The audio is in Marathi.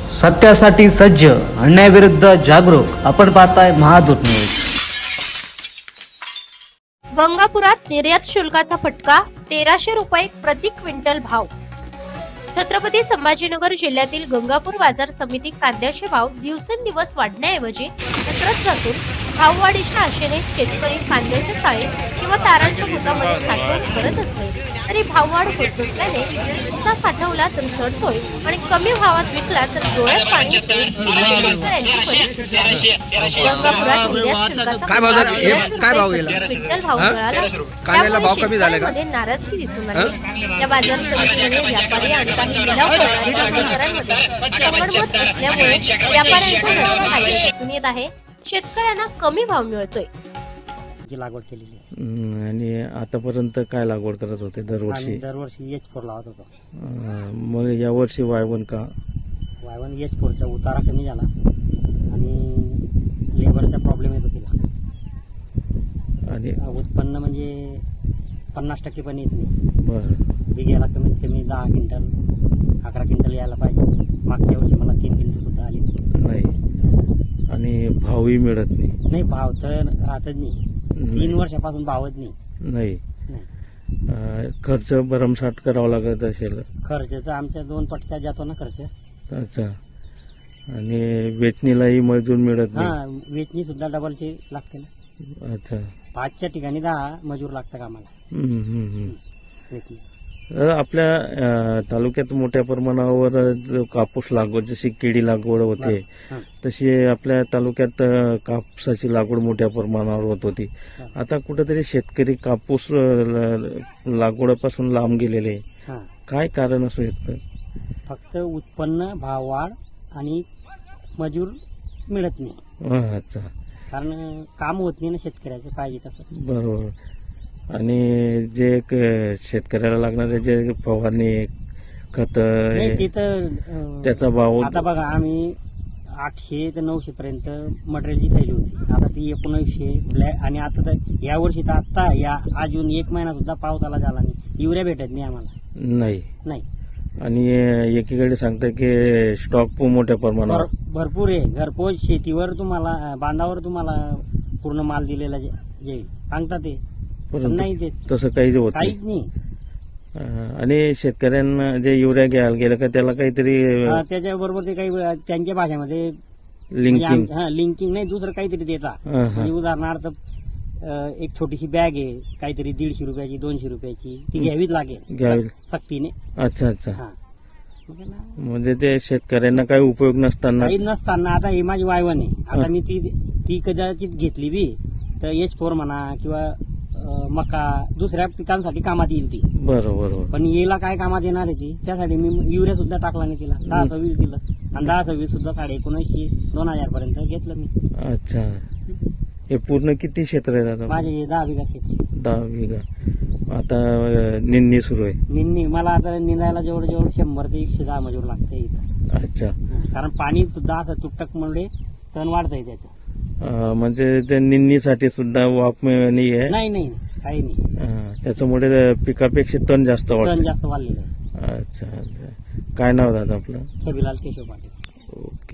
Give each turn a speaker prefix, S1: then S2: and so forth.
S1: सत्यासाठी सज्ज, अन्यायाविरुद्ध जागरूक. आपण पाहताय महादूत न्यूज.
S2: गंगापुरात निर्यात शुल्काचा फटका, 1300 रुपये प्रति क्विंटल भाव. छत्रपती संभाजीनगर जिल्ह्यातील गंगापूर बाजार समिती कांद्याचे भाव दिवसेंदिवस वाढण्याऐवजी घसरत जातून भाववाढीच्या आशेने शेतकरी कांद्याच्या चाळीत किंवा तारांच्या बुटामध्ये साठवण करत असले तरी भाववाढ होत नसल्याने बुटा साठवला तर सडतोय आणि कमी भावात विकला तर डोळ्यात पाणी येते. शेतकऱ्यांची परिस्थिती आहे. गंगापुरात निर्यात शुल्काचा क्विंटल भाव मिळाला.
S3: कांद्याला भाव कमी झाला का?
S2: नाराजगी दिसून आली. या बाजार समितीमध्ये व्यापारी आणि काही लिलाव करणाऱ्या व्यापाऱ्यांमध्ये संगनमत असल्यामुळे व्यापाऱ्यांचा रस्ता खाली दिसून येत आहे. शेतकऱ्यांना कमी भाव मिळतोय.
S4: लागवड केलेली आहे.
S5: आणि आतापर्यंत काय लागवड करत होते दरवर्षी?
S4: दरवर्षी H4 लावत होतो.
S5: मग यावर्षी Y1 का?
S4: Y1 H4चा उतारा कमी झाला आणि लेबरचा प्रॉब्लेम येतो तिला.
S5: आणि
S4: उत्पन्न म्हणजे 50% पण येत नाही.
S5: बरं,
S4: बिघ्याला कमीत कमी 10 क्विंटल 11 क्विंटल यायला पाहिजे. मागच्या वर्षी मला 3 क्विंटल सुद्धा आले
S5: नाही. आणि भावही मिळत
S4: नाही. भाव तर राहतच नाही. 3 वर्षापासून भावच
S5: नाही. खर्च भरमसाठ करावा लागत असेल.
S4: खर्च तर आमच्या 2 पटचा जातो ना खर्च.
S5: अच्छा. आणि वेचणीलाही मजूर मिळत नाही.
S4: हा, वेचणी सुद्धा डबलचे लागते ना.
S5: अच्छा.
S4: 5च्या ठिकाणी 10 मजूर लागतात आम्हाला वेचणी.
S5: आपल्या तालुक्यात मोठ्या प्रमाणावर कापूस लागवड, जशी केळी लागवड होते तशी आपल्या तालुक्यात कापसाची लागवड मोठ्या प्रमाणावर होत होती. आता कुठेतरी शेतकरी कापूस लागवडीपासून लांब गेलेले. काय कारण असू शकतं?
S4: फक्त उत्पन्न, भाव वाढ आणि मजूर मिळत नाही.
S5: अच्छा.
S4: कारण काम होत नाही ना शेतकऱ्याचं पाहिजे तसं.
S5: बरोबर. आणि जे शेतकऱ्याला लागणारे जे फवारणी खत त्याचा भाव
S4: आता बघा, आम्ही 800 ते 900 पर्यंत मटेरियलची थैली होती. आता ती 1900 आणि आता तर या वर्षी तर आता या अजून 1 महिना सुद्धा पावसाला झाला नाही. युरिया भेटत नाही आम्हाला. नाही.
S5: आणि एकीकडे सांगतात की स्टॉक मोठ्या प्रमाणावर
S4: भरपूर आहे. घरपोच शेतीवर तुम्हाला, बांधावर तुम्हाला पूर्ण माल दिलेला जाईल सांगतात ते. नाही देत
S5: तसं काहीच होत
S4: काहीच नाही.
S5: आणि शेतकऱ्यांना जे युरिया घ्यायला गेलं का त्याला काहीतरी
S4: त्याच्याबरोबर ते काही त्यांच्या भाषेमध्ये लिंकिंग नाही, दुसरं काहीतरी देतात. म्हणजे उदाहरणार्थ एक छोटीशी बॅग आहे, काहीतरी 150 रुपयाची 200 रुपयाची, ती घ्यावीच लागेल सक्तीने.
S5: अच्छा अच्छा. म्हणजे ते शेतकऱ्यांना काही उपयोग नसताना
S4: आता ही माझी Y1 आहे. आता मी ती कदाचित घेतली बी तर H4 म्हणा किंवा मका दुसऱ्या पिकांसाठी कामात येईल ती.
S5: बरोबर. पण
S4: येला काय कामात येणार आहे ती, त्यासाठी मी युरिया सुद्धा टाकला नाही तिला. 10-20 दिलं आणि 10-20 सुद्धा 1900-2000 पर्यंत घेतलं मी.
S5: अच्छा. हे पूर्ण किती क्षेत्र आहे दादा?
S4: माझे 10 बिघा क्षेत्र.
S5: 10 बिघा. आता निंदणी सुरू आहे.
S4: निंदणी मला आता निंदायला जवळ 100 ते 110 मजूर लागते इथं.
S5: अच्छा. कारण
S4: पाणी सुद्धा असं तुटक मुळे तण वाढतंय त्याचं.
S5: म्हणजे ते निंदणीसाठी सुद्धा वाफ नाही आहे?
S4: नाही काही नाही.
S5: त्याच्यामुळे पिकापेक्षा तण जास्त
S4: वाढलेलं आहे.
S5: अच्छा. काय नाव दादा आपलं?
S4: छबिलाल केशव पाटील.
S5: ओके.